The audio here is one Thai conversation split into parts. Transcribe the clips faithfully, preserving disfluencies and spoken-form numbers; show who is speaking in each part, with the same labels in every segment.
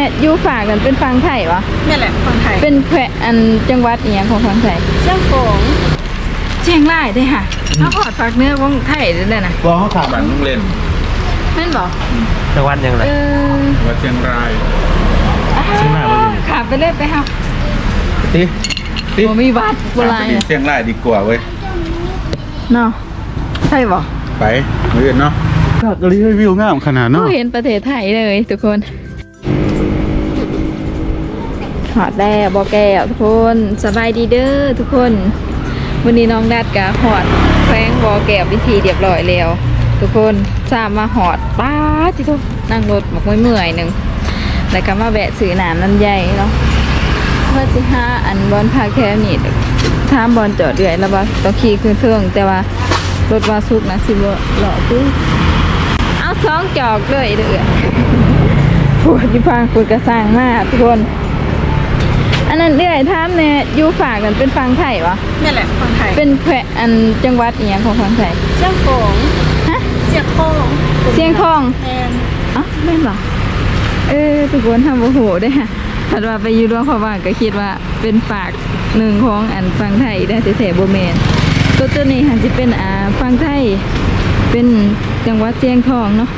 Speaker 1: อยู่ฝากกันเป็นฟังไทยวะ
Speaker 2: นี่แหละฟังไทย
Speaker 1: เป็นแขวงอันจังหวัดอีหยังของฟังไทย
Speaker 2: เชียงของ
Speaker 1: เชียงรายได้ค่ะเขาขอดฝากเนื้อของไทยได้เลยนะ
Speaker 3: ว่าเขาขาบันต้องเล่น
Speaker 1: แม่นบอก
Speaker 4: จังหวัดยังไง
Speaker 3: ว่าเชียงราย
Speaker 1: เชียงรายขาไปเล่นไปครับ
Speaker 3: ตีตี
Speaker 1: มีวัดโบราณ
Speaker 3: เชียงรายดีกว่าเว้ย
Speaker 1: เนาะใช่บอก
Speaker 3: ไปเมื่อเนาะก็รีวิวงามขนาดเนาะ
Speaker 1: เห็นประเทศไทยเลยทุกคนหอดแด้บอแก้วทุกคนสบายดีเด้อทุกคนวันนี้น้องดัดกะหอดแฝงบอแก้ววิธีเรียบร้อยแล้วทุกคนสามมาหอดป้าจิทุกนั่งรถหมกไม่เมื่อยหนึ่งแล้วก็มาแบะสื่อหนามน้ำใหญ่เนาะเพื่อที่ห้าอันบอลพาแค่นี้ท่ามบอลจอดเดือยแล้วว่าต้องขี่ขึ้นเครื่องแต่ว่ารถวาซุกนะสิบหล่อปุ๊บเอาสองจอกเลยเดือดปวดที่พังปวดกระซังมากทุกคนอันนั้นเดือยท่ามเนี่ยอยู่ฝากกันเป็นฟังไทยวะ
Speaker 2: นี่แหละฟังไทย
Speaker 1: เป็นแขวงอันจังหวัดอีหยังของฟังไทย
Speaker 2: เชียงของ
Speaker 1: ฮะ
Speaker 2: เชียงของ
Speaker 1: เชียงของ
Speaker 2: แอน
Speaker 1: อ๋อไม่หรอเออทุกคนทำโอ้โหได้ค่ะถัดว่าไปอยู่ร่วมเขาว่าก็คิดว่าเป็นฝากหนึ่งของอันฟังไทยได้แต่โบเมนตัวตัวนี้หันจะเป็นอ่าฟังไทยเป็นจังหวัดเชียงทองเนาะ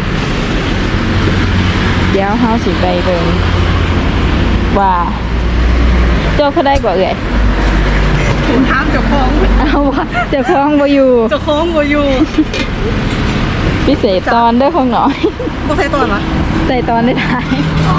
Speaker 1: เดี๋ยวเฮาสิไปเบิ่งว่าเจ้าเขาได้กว่าเอ่ย
Speaker 2: ถุงท้ามเจ้าของ
Speaker 1: เอาว่าเจ้าของบ่อยู่
Speaker 2: เจ้าของบ่อยู่
Speaker 1: พิเศษตอนเด้อของหน่อย
Speaker 2: บ่ใส่ตอนวะ
Speaker 1: ใส่ตอนได้ท้าย
Speaker 2: อ๋อ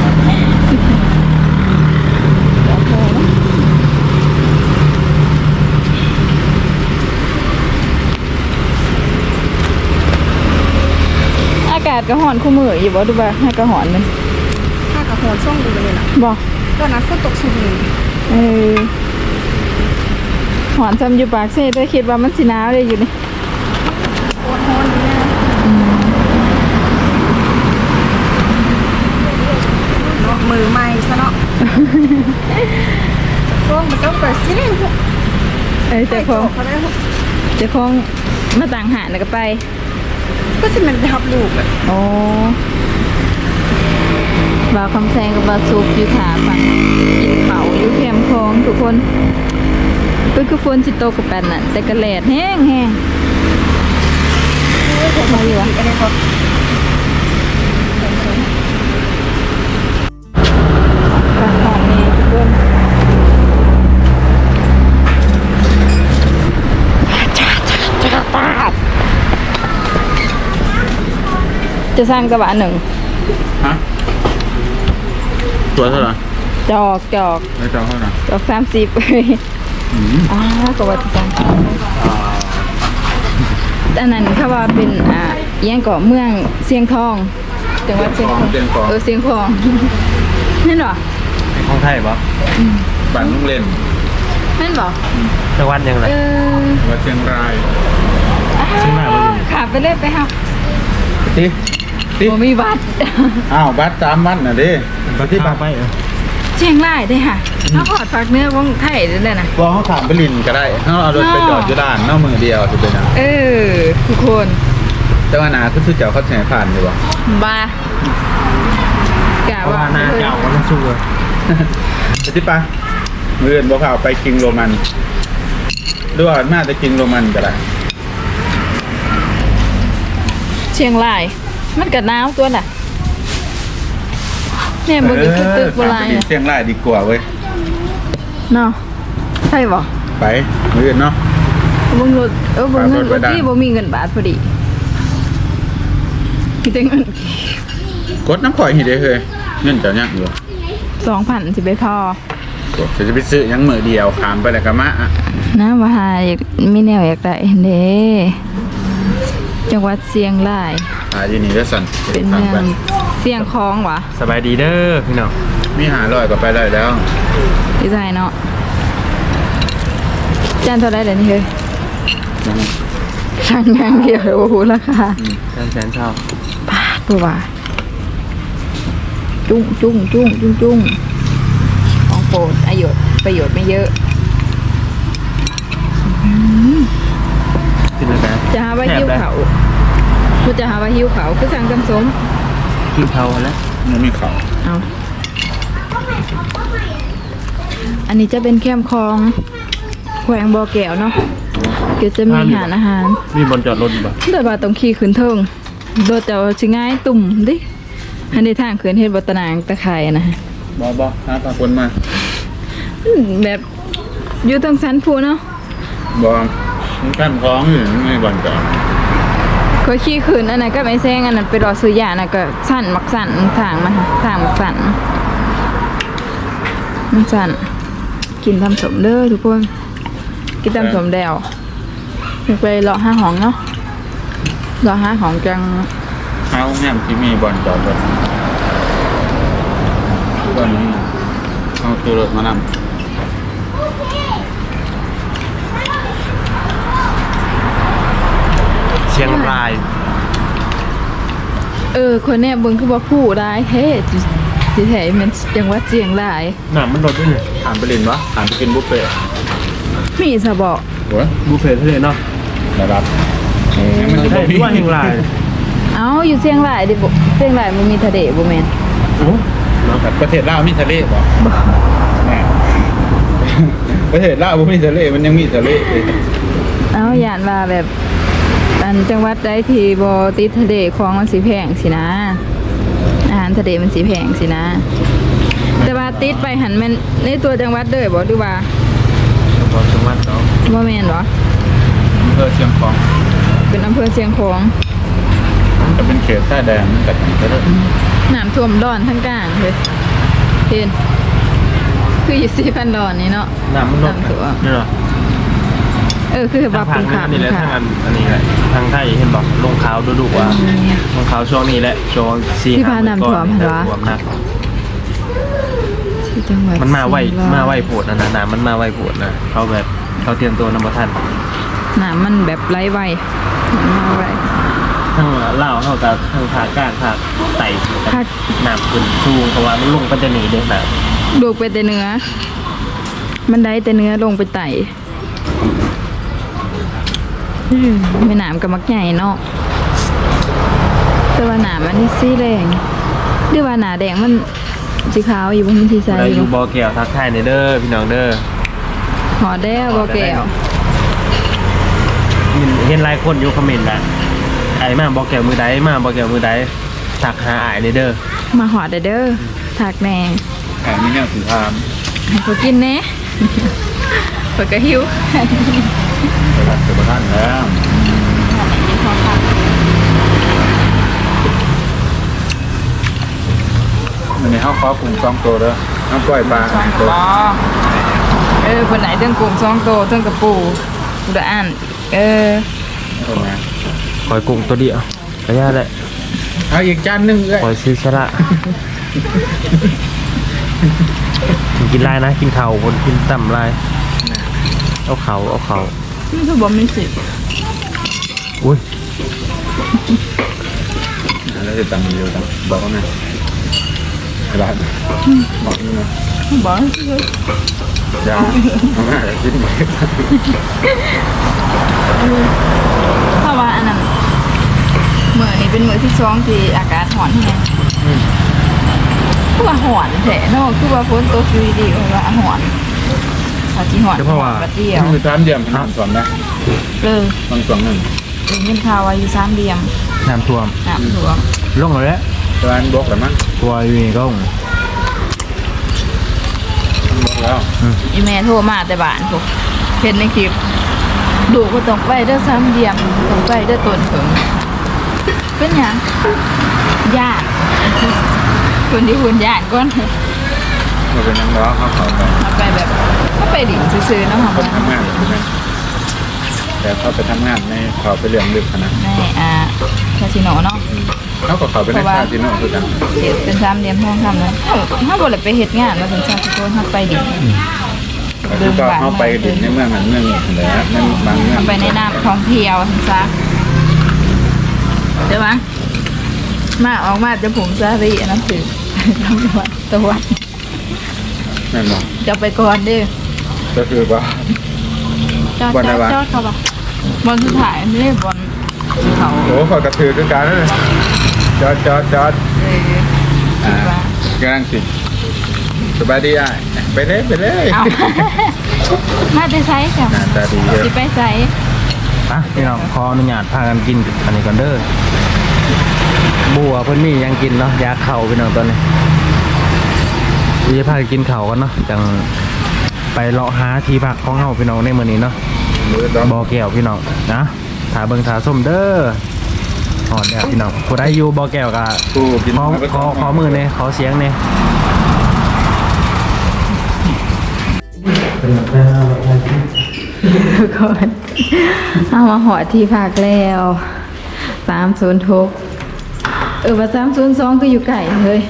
Speaker 1: อากาศกระหอนคู่มืออยู่บ่ดูบ่ให้กระหอนมัน
Speaker 2: ถ้ากระหอนช่องดูเลยนะ
Speaker 1: บ่
Speaker 2: ตอนนั้นฝนตกชุกนึง
Speaker 1: เออหอนซ้ำอยู่ปากเซ่ด้วยคิดว่ามันสิหนาวเลยอยู่นี่
Speaker 2: โคตรร้อนเลยนะเนาะมือใหม่ซะเนาะพวกมันต้องเปิดซิพวก
Speaker 1: เอ้ยแต่พอจะคงมาต่างหาแล้วก็ไป
Speaker 2: ก็จะมันไปทับลูกเลย
Speaker 1: โอ้บ่าวคำแซงกับบาวซุกอยู่ขาฝั่งกินเป่าอยู่แคมคลองทุกคนเป็นคือฝนสิโตกับแปนน่ะแต่กระแลดแห้งแห้งมาอยู่วะจะสร้างกระบะหนึ่ง
Speaker 3: ฮะตัวเท่าไหร่
Speaker 1: จอกจอก
Speaker 3: ไม่จอกเท่าไหร่
Speaker 1: จอกสามสิบเลยอ่ากระบะจะสร้างอันนั้นเขาว่าเป็นอ่ายังเกาะเมืองเชียงทองจังหวัดเชียงทองเออเชียงทองนั่นหรอ
Speaker 4: ของไทยปะ
Speaker 3: บ้านลุงเล่น
Speaker 1: นั่นหรอ
Speaker 4: จังหวัดยังไง
Speaker 3: ว่าเชียงราย
Speaker 1: เชียงรายขาไปเล่นไปครับ
Speaker 3: ตีตี
Speaker 1: มีวัด
Speaker 3: อ้าววัดสามวัดน่ะดิ
Speaker 4: วัดที่ปากไป
Speaker 1: เชียงรายได้ค่ะเขาขอดฝากเนื้อของไทยได้เลยนะ
Speaker 3: ว่าเขาถามไปลินก็ได้เขาเอารถไปจอดอยู่ด้านนอกมือเดียวจะเป็นยัง
Speaker 1: เออทุกคน
Speaker 3: แต่ว่านาคือซื้อเจ้าเขาแข่งผ่านอยู่วะ
Speaker 1: บ้ากะว่า
Speaker 4: นาเจ้าก็ต้องสู้เลย
Speaker 3: จะที่ปะมือเดินบอกข่าวไปกิงโรมันด้วยน่าจะกิงโรมันก็ได้
Speaker 1: เชียงรายมันกัดน้ำตัวน่ะเนี่ยบนอีกตึกโบราณ
Speaker 3: เชียงรายดีกว่าเว้ย
Speaker 1: เนาะใช่ป่ะ
Speaker 3: ไปมือเนาะ
Speaker 1: บงรถเออบงเงินที่บ่มีเงินบาทพอดีมีแต่เงิน
Speaker 3: กดน้ำข่อยหิได้เลยเงินจะยังอยู่
Speaker 1: สองพันสิไปพอ
Speaker 3: จะไปซื้อยังมือเดียวขามไปแล้วก็มา
Speaker 1: น้ำมาหาอยากมีแนวอยากได้เด้จังหวัดเชียงราย
Speaker 3: อ่าที่นี่ก็สั่น
Speaker 1: เป็นเมืองเชียงคองวะ
Speaker 4: สบายดีเด้อพี่น้อง
Speaker 3: มีหาลอยก็ไปได้แล้ว
Speaker 1: ดีใจเนาะจานเท่าไรเดี๋ยวนี้เฮ้ยช่างงานเดียวโอ้โหราคา
Speaker 4: จานแสนเท่า
Speaker 1: ปาตัวว่าจุ้งจุ้งจุ้งจุ้งจุ้งของโปรดประโยชน์ประโยชน์ไม่เยอะจะหาว่าหิ้วเขากูจะหาว่าหิ้วเขาคือสั่งกำสม
Speaker 4: กินเท่าแล้ว
Speaker 3: มันมีเขา
Speaker 1: เอาอันนี้จะเป็นแคมป์คลองแขวงบ่อแก้วเนาะก็จะมีอาหารอาหาร
Speaker 4: มีบนจอดรถอยู่ปะ
Speaker 1: โดยว่าต้องขี่ขึ้นเทิงโดยแต่ว่าสิง่ายตุ่มดิอันนี้ทางขึ้นเฮ็ดบ่ตะนางตะไคร่นะฮะ
Speaker 3: บอบอหาปลาคนมา
Speaker 1: อืมแบบอยู่ตรงสันภูเนาะ
Speaker 3: บอมันกั้นคล้องอยู่ไม่บอลจอด
Speaker 1: ก็ขี่ขึ้นอันนั้นก็ไม่แซงอันนั้นไปรอซื้อยาน่ะก็สั่นมักสั่นทางมันทางมักสั่นมันสั่นกินทำสมเด้อทุกคนกินทำสมแดวไปรอห้าห้องเนาะรอห้าห้องจัง
Speaker 3: เอาแง่มที่มีบอลจอดรถบอลนี้เอาตัวรถมานำ
Speaker 4: เชียงราย
Speaker 1: เออคนเนี้ยเบิ่งคือว่าผู้ได้เฮ้สิสิแท้มันจังหวัดเชียงราย
Speaker 4: หนามันรถด้วยเนี่ย
Speaker 3: อ่านไปเรียนวะอ่านไปกินบุฟเฟ่ต์
Speaker 1: มีซะบ่
Speaker 3: หัว
Speaker 4: บูเฟ่ทะเลเนาะ
Speaker 3: ระดับมันจะ
Speaker 4: ใช่
Speaker 3: บอก
Speaker 4: ที่ว่าเชียงราย
Speaker 1: เอ้าอยู่เชียงรายดิบ่เชียงรายมันมีทะเลบ่แม่น
Speaker 4: โอ้เนาะ
Speaker 3: ประเทศลาวมีทะเลป่ะแม่ประเทศลาวบ่มีทะเลมันยังมีทะเลเลย
Speaker 1: เอ้าย่านว่าแบบอันจังหวัดใดที่บ่ติดทะเลของมันสิแพงสินะอาหารทะเลมันสิแพงสินะ แต่ว่าติดไปหันแม่นในตัวจังหวัดเด้อบ่หรือว่า
Speaker 4: พอจังหวัดเนาะ
Speaker 1: บ่แม่นบ่
Speaker 3: อำเภอเชียงของ
Speaker 1: เป็นอำเภอเชียงของ
Speaker 3: จะเป็นเขตชายแดนกับทะเล
Speaker 1: น้ำท่วมดอนทั้งกลางเลยเห็นคืออยู่สี่พันดอนนี่เนาะ
Speaker 4: หนามันรถ
Speaker 1: น้ำท่วม
Speaker 4: นี่เหรอ
Speaker 1: เออคือ
Speaker 4: ทา
Speaker 1: ว่าง
Speaker 4: ทา
Speaker 1: เป็
Speaker 4: ง
Speaker 1: น
Speaker 4: นี้
Speaker 1: ขา
Speaker 4: อันนี้แหละ
Speaker 1: เป็น
Speaker 4: ทาง
Speaker 1: ขา
Speaker 4: อันอันนี้แหละทางไทยเห็นบอกลงขาวดูดูว่าลงขาวช่วงนี้แหละช่วงสี่
Speaker 1: ที่พาน้ำท่วม
Speaker 4: เห็
Speaker 1: เห็
Speaker 4: น
Speaker 1: นวะ
Speaker 4: ท่วมหนัก
Speaker 1: ที่จังหวัด
Speaker 4: มันมาไว
Speaker 1: ศรี
Speaker 4: มาไวโผดนะนะน้ำมันมาไวโผดนะเขาแบบเขาเตรียมตัวนำมาทัน
Speaker 1: น้ำมันแบบไร้ไวมันมาไว
Speaker 4: ทั้งเล่าวเท่ากับทั้งผาก้านผาไต่
Speaker 1: ภาค
Speaker 4: น้ำขึ้นสูงเพราะว่ามันลงก็จะหนีเด้น้
Speaker 1: ลูกไปแต่เนื้อ มันได้แต่เนื้อลงไปไต่อืมไม่น้ำกับมักใหญ่เนาะแต่ว่าหนามันนี่สีแดงหรือว่าหนาแดงมันสีขาวอยู่บนมันสีใส
Speaker 4: ำเรา
Speaker 1: อ
Speaker 4: อยู่ ยู่บ่อแก้วทักทายในเด้อพี่น้องเด้อ
Speaker 1: หอแด้วบอแก้ว
Speaker 4: เห็นเห็นหลายคนอยู่คอมเมนต์นะไอ้มาบ่อแก้วมือใดมาบ่อแก้วมือใดทักหาไอ้ในเด้อ
Speaker 1: มาหอดเด้อเด้อถักแหน่
Speaker 3: แอบมีแนวสีทาม
Speaker 1: ให้เขากินแหน่ เปิดกระหิว
Speaker 3: ไปรับเสือประทานแล้ว อันนี้เขาขอปรุงสองตัวเด้อน้ำกล้วยปลา
Speaker 1: สอง
Speaker 3: ตัว
Speaker 1: ตัวเออคนไหนเรื่องกลุ่มสองตัวเรื่องกระปูกูได้อ่านเออ
Speaker 3: เอามา
Speaker 4: คอยกุ้งตัวเดียวก็ย่าแหละ
Speaker 3: เอาอีกจานหนึงเลย
Speaker 4: คอยซื้อชะละกินลายนะกินเข่าคนกินต่ำลายเอาเขาเอาเขา
Speaker 1: นี่คือบอมมิสิ
Speaker 4: อุ้ย
Speaker 3: แล้วจะตำเร็วจังบอกว่าไงร้านบอกนี่นะ
Speaker 1: บอก
Speaker 3: ยาเอามาจะกินหมด
Speaker 1: ถ้าว่าอันนั้นเมื่อนี้เป็นมื้อที่สองที่อากาศหอนแฮงคือว่าหอนแท้เนาะคือว่าฝนตกอยู่ดีๆว่าหอนถ้าสิหอนบัดเดียว
Speaker 3: คือสามเดียมน้ำสอนนะ
Speaker 1: เออ
Speaker 3: ต้องสองหนึ่ง
Speaker 1: ได้ยินข่าวว่าอยู่สามเหลี่ยม
Speaker 4: น้ำท่วม
Speaker 1: น้ำท่วม
Speaker 4: ลงแล้ว
Speaker 3: ร้านบกหรือมั้ง
Speaker 4: ตัวอยู่นี่ก็ลง
Speaker 3: บกแล้ว
Speaker 1: อีแม่โทรมาแต่บ้านพวกเห็นในคลิปดูก็ต้องไปเด้อสามเหลี่ยมต้องไปเด้อต้นเถิงเป็นหยังญาติคนที่คุณญาติก่อน
Speaker 3: มาเป็นนักร้องเขาเขาไป
Speaker 1: เอาไปแบบก็ไปดิ่งซื้อๆเนาะค่ะ
Speaker 3: ไปทำงานใช่ไหมแต่เขาไปทำงานในเขาไปเรียงลึกขนาด
Speaker 1: ในอ่าคาสิโนเนาะ
Speaker 3: เขาก็เขาไปในคาสิโนคือกัน
Speaker 1: เฮ็ดเป็นสามเหลี่ยมทองคำนั้นเฮาเฮาบ่ได้ไปเฮ็ดงานมาถึงซาทุกคนเฮาไปดิ่ง
Speaker 3: แล้วก็เขาไปดินในเมืองนั้นเมืองนี้แหละในบางเมือง
Speaker 1: เฮาไปในน้ำท่องเที่ยวถึงซะใช่ปะมาออกมาจะผมซารีอันนั้นคือตำรวจตรวจ
Speaker 3: นั่นหรอ
Speaker 1: จะไปก่อนเด้อ
Speaker 3: ก็คือว่า
Speaker 1: จอด
Speaker 3: บอล
Speaker 1: จ
Speaker 3: อะ
Speaker 1: อ
Speaker 3: ไร
Speaker 1: ด
Speaker 3: วะ
Speaker 1: จอดเขาปะบอลสุดท้ายไม่ได้บอลเขา
Speaker 3: โอ้ขอกระถือคือการนั่นเลยจอดจอดจอด
Speaker 1: เออ
Speaker 3: อ่ากำลังสิสบายดีอ่ะไปเลยไปเลย
Speaker 1: เอา มาจะใช้จ้ะ
Speaker 3: หน้าตาดีเยอะ
Speaker 1: สิไปใช้
Speaker 4: อ่ะพี่น้องขออนุญาตพากันกินอันนี้ก่อนเด้อบัวเพิ่นมียังกินเนาะยาเข่าพี่น้องตอนนี้จะพากันกินเข่าวกันเนาะจังไปเลาะหาที่พักของเฮาพี่น้องในมื้อนี้เนาะ
Speaker 3: มือดอง
Speaker 4: บ่อแก้วพี่น้องนะถาเบิ่งถาส้มเด้อหอดแล้วพี่น้องผู้ใดอยู่บ่อแก้วก็
Speaker 3: กูกิน
Speaker 4: ขอขอขอมือเนี่ยขอเสียงเนี่ย
Speaker 1: ทุกคนเอามาหอดที่พักแล้วสามศูนย์ทุกเออว่าสามศูนย์สองก็อยู่ไก่เฮ้ย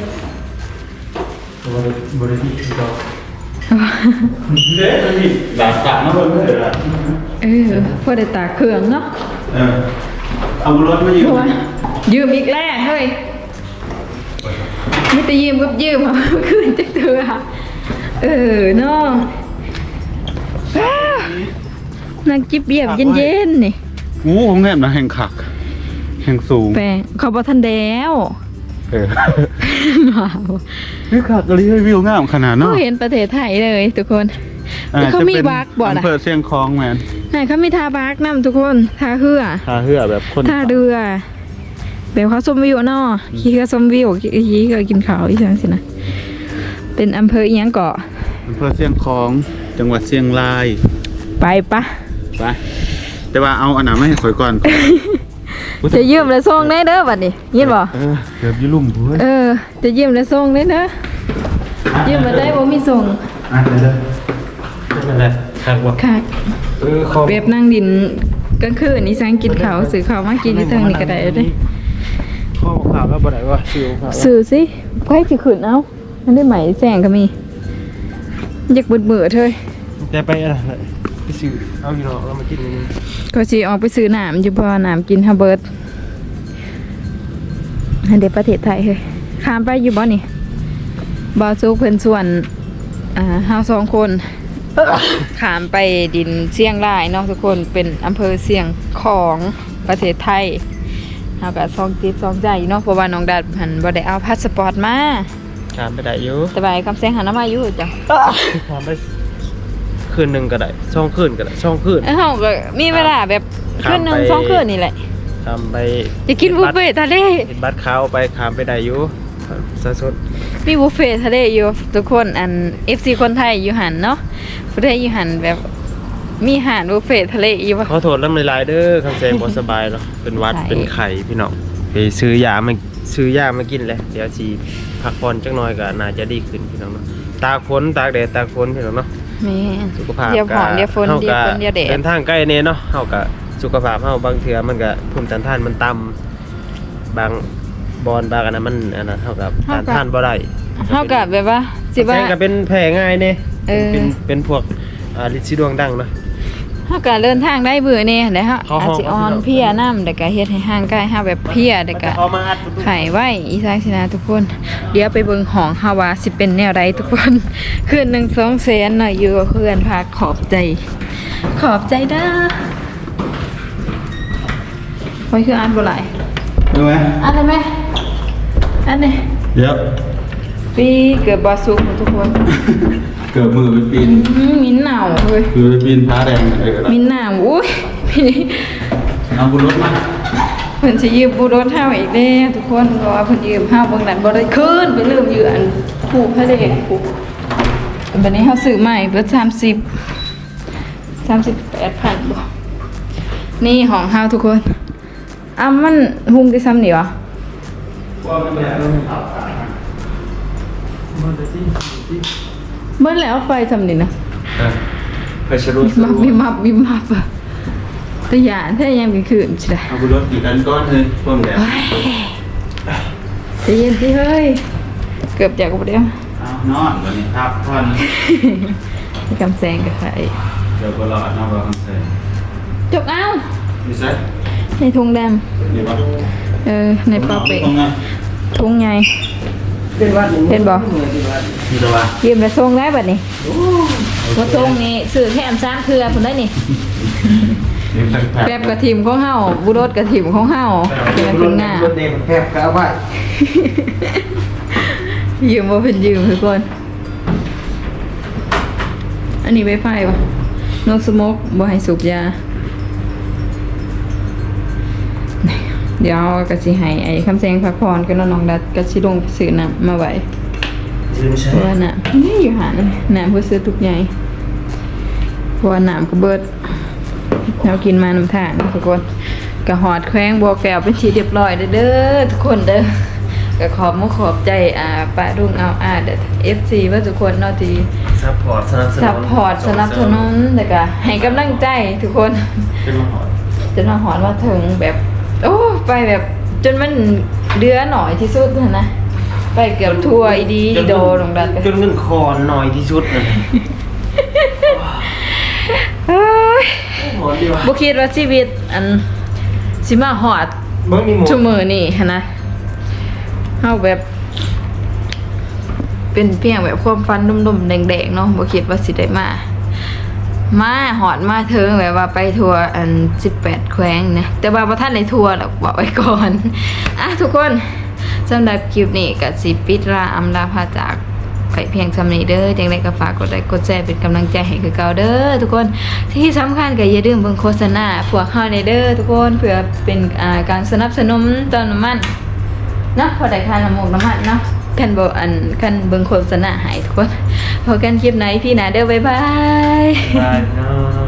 Speaker 4: บริษัทเรา
Speaker 3: เด็กมันมีดาบสามมาเพิ่มเลยละ
Speaker 1: เออพอได้ตากเครื่องเนาะ
Speaker 3: เออเอารถมายื
Speaker 1: เพ
Speaker 3: ม
Speaker 1: ราะว่ายืมอีกแล้วเฮ้ยไม่แต่ยืมกับยืมเอาคืนจักเถื่อเออเนาะว้าวนั่งจิบเบียบเย็นๆนี่
Speaker 3: งูของแง่นะแห่งขักแห่งสูง
Speaker 1: แปลงเขาบอทันแล้ว
Speaker 3: เออ
Speaker 1: ว้าว
Speaker 3: นี่ขักอะไรวิวงามขนาด
Speaker 1: เขา
Speaker 3: เนาะ
Speaker 1: เห็นประเทศไทยเลยทุกคนแต่เขามีบักบ่
Speaker 3: อำ
Speaker 1: นะ
Speaker 3: เภอเชียงคองแมน
Speaker 1: ไหนเขามีทาบักนำทุกคนทาเหือ
Speaker 3: ท่าเรือแบบคน
Speaker 1: ทาเรือแบบเขาชมวิวเนาะขี่เขาชมวิวขี่เขากินข้าวอีสังสินะเป็นอำเภออีหยังเกาะ
Speaker 3: อำเภอเชียงคองจังหวัดเชียงราย
Speaker 1: ไปปะ
Speaker 3: ไปแต่ว่าเอาอันไหนไม่ให้ข่อยก่อน
Speaker 1: จะยืมและส่งได้เด้อบัดนี้ยินบ่
Speaker 3: เออเกือบอยุ่ลุ่มเพื่อน
Speaker 1: เออจะยืมและส่งได้เด้อยืมมาได้บ่มีส่ง
Speaker 3: อ่ะเดี๋ยวเดี๋ยว
Speaker 4: นั่นแหละครับว่า
Speaker 1: ค่ะ
Speaker 4: เออขอ
Speaker 1: เว็บนั่งดินกลางคืนนี่สังกินข้าวซื้อข้าวมากินที่ทางนี้ก็ได้เด้
Speaker 4: ข้อข่าวแล้วบ่ได้ว่าซิวข่าว
Speaker 1: ซื้อสิไว้สิขึ้นเอามันได้ไหมแสงก็มีอยากเบื่อๆเถอะ
Speaker 4: แต่ไปอะไรไปซิวเอาพี่น้องเรามากินนี่
Speaker 1: ก็สิออกไปซื้อน้ำอยู่บ่น้ำกินฮาเบิร์ดอันเด็ประเทศไทยเฮ้ยข้ามไปอยู่บ่นี่บ่ซุกเพิ่นส่วนอ่าเฮาสองคนข้ามไปดินเชียงรายเนาะทุกคนเป็นอำเภอเชียงของประเทศไทยเฮาก็ซองติดซองใจเนาะเพราะว่าน้องดัดหันบ่ได้เอาพาสปอร์ตมา
Speaker 4: ถามไปได้อยู่
Speaker 1: แต่ว่าไอ้คำแซงหันมาอยู่จ้ะ
Speaker 4: ถามไปคืนหนึ่งก็ได้ช่องคืนก็ได้ช่องคืน
Speaker 1: เอ้าเฮาก็มีเวลาแบบคืนหนึงสองคืนนี่แหละ
Speaker 4: ทำไป
Speaker 1: จะกินบุฟเฟ่ต์ทะเล
Speaker 4: เห็นบัตรขาวไปขามไปได้อยู่สะสด
Speaker 1: มีบุฟเฟ่ต์ทะเลอยู่ทุกคนอัน เอฟ ซี คนไทยอยู่หันเนาะประเทศอยู่หันแบบมีอาหารบุฟเฟ่ต์ทะเลอยู่ปะ
Speaker 4: ขอโทษลำลายๆเด้อคำแซงบ่สบายเนาะเป็นหวัด
Speaker 1: ใช่
Speaker 4: เป็นไข่พี่น้องไปซื้อยามาซื้อยามากินเลยเดี๋ยวสิพักผ่อนจักหน่อยก็น่าจะดีขึ้นพี่น้องเนาะตากฝนตากแดดตากฝนพี่น้องเนาะ
Speaker 1: แม่
Speaker 4: สุขภาพ
Speaker 1: เดี๋ยวหอมเดี๋ยวฝน
Speaker 4: ฮา
Speaker 1: เดี๋ยวฝนเดี๋ยวแดด
Speaker 4: เดินทางใกล้เนี่ยเนาะเฮาก็สุขภาพเฮาบางเทื่อมันก็ภูมิต้านทานมันต่ำบางบอลบางอันนั้นมันอันนั้นเฮากับต้านทานบ่ได้
Speaker 1: เฮากับแบบว่าสิว่า
Speaker 4: แซงก็เป็นแผลง่ายเนี่ย
Speaker 1: เออ
Speaker 4: เป็นเป็นพวกอ่าลินซีดวงดังเนาะ
Speaker 1: เฮาก็เดินทางได้เบื่อแน่เด้อฮะ
Speaker 4: เขา
Speaker 1: อาจสิออนเพลียน้ำแต่ก็เฮ็ดให้ห่างกายเฮาแบบเพลียแต่ก็
Speaker 4: เอามาอัดประตู
Speaker 1: ไข่ไว้อีสานสินะทุกคน เดี๋ยวไปเบิ่งห้องเฮาว่าสิเป็นแนวใดทุกคน คืนหนึ่งสองแสนหน่อยอยู่กับเพื่อนพาขอบใจ ขอบใจเด้อไว้คืออ่านบ่หลาย
Speaker 3: ดูไหม
Speaker 1: อ่านได้ไหมอ่านได้
Speaker 3: เดี๋ยว
Speaker 1: ปีเกิดบอสุกทุกคน
Speaker 3: เกือบมือไปปีน
Speaker 1: อื้อมิ้นหนาวเฮ้ย
Speaker 3: คือไปปีนพ้าแดงเออ
Speaker 1: มิ้นหนาวอุ้ย พี่
Speaker 3: เอาบุญรถมา
Speaker 1: เพิ่นสิยืมบูรถเฮาอีกแล้วทุกคนเพราะว่าเพิ่นยืมเฮาเบิ่งนั้นบ่ได้คืนไปลืมอยู่อันผูกพระเดชผูกบัดนี้เฮาซื้อใหม่เบิดสามสิบ สามสิบแปดพันบ่นี่ของเฮาทุกคนอ้ามันหุงได้ซ้ำนี่วะ
Speaker 3: ว่ามันแบบ
Speaker 1: เบิ่แล้วไฟซ้ำนี่นะ
Speaker 3: ไปชรุ
Speaker 1: มับวิมับวิมับอะแต่ยานถ้ายังมีคืนสิได้
Speaker 3: เอาบุญรถอยู่กันก้อนเลยพวกมันแบบ
Speaker 1: ใจเย็นสิเฮ้ย เกือบจากกูเดียว
Speaker 3: เอานอนวันนี้ครับท่อน
Speaker 1: กำแซงกับใคร
Speaker 3: เดี๋ยวก็รอดนอกรอคอนเสิร์ต
Speaker 1: จกเอ้า
Speaker 3: นี่ใช่
Speaker 1: ในทุงแดง
Speaker 3: นี่วะ
Speaker 1: เออ ในปลาเป๋
Speaker 3: ตรงนั้น
Speaker 1: ทุงใหญ่เห็นบ่
Speaker 3: นี่ตัววะ
Speaker 1: ยืมไปส่งได้บัดนี้ว่าส่งนี่ซื้อแถมสามเครือพุ่นได้นี่
Speaker 3: นี่แผล
Speaker 1: แบบกระถิ่มของเฮาบุรสกระถิ่มของเฮาเป็นเป็นงา
Speaker 4: รถเด็กแคบก็เอาไว้
Speaker 1: ยืมว่าเป็นยืมทุกคน อันนี้ไวไฟปะนกสโมกบ่ให้สูบยา เดี๋ยวกะสิให้ไอ้คำแซงพักผ่อนก็น้องดัดกะสิลงซื้อน้ำมาไว้
Speaker 4: ซื้อไม่ใช่
Speaker 1: เพราะว่าน้ำนี่อยู่หาน้ำน้ำเพื่อซื้อทุกอย่างเพราะว่าน้ำก็เบิดเรากินมาน้ำทางทุกคนกะหอดแข้งบัวแก้วเป็นทีเรียบร้อยเด้อเด้อทุกคนเด้อ ก็ขอบมุกขอบใจอ่าป้ารุ่งเอาอาเด้อ เอฟ ซี ว่าทุกคนเนาะที่
Speaker 4: ซัพพอร์ตสนับสนุน
Speaker 1: ซัพพอร์ตสนับสนุนแล้วก็ให้กำลังใจทุกคน
Speaker 4: เป็นมาหอด
Speaker 1: จนมาหอนมาถึงแบบ โอ้ไปแบบจนมันเดือหน่อยที่สุดนะ ไปเกือบทั่วอีดีอีโดลงดันไป
Speaker 4: จนเงินคอนหน่อยที่สุดนั่น
Speaker 1: เอ้ย
Speaker 4: หอดดีว่ะ
Speaker 1: บ่คิดว่าชีวิตอันสิมาหอด
Speaker 4: เบิ่งนี่หมด
Speaker 1: ชั่วมือนี่หั้นนะเฮาแบบ เป็นเพียงแบบความฝันดุมๆแดงๆเนาะบ่คิดว่าสิได้มา มาหอดมาเทิงแบบว่าไปทัวร์อันสิบแปดแขวงนะแต่ว่าบ่ทันได้ทัวร์หรอกบอกไว้ก่อน อ่ะทุกคนสำหรับคลิปนี้ก็สิปิดลาอำลาพาจากไปเพียงสำนี้เด้อจังไดก็ฝากกดไลค์กดแชร์เป็นกำลังใจให้คือเก่าเด้อทุกคนที่สำคัญก็อย่าลืมเบิ่งโฆษณาพวกเฮาในเด้อทุกคนเพื่อเป็นอ่าการสนับสนุนตอนน้ำมันเนาะพอได้ค่าน้ำมูกน้ำมันเนาะคันบ่อันคันเบิ่งโฆษณาให้ทุกคนพอกันคลิปไหนพี่หนาเด้อบ๊ายบาย
Speaker 4: บายเนาะ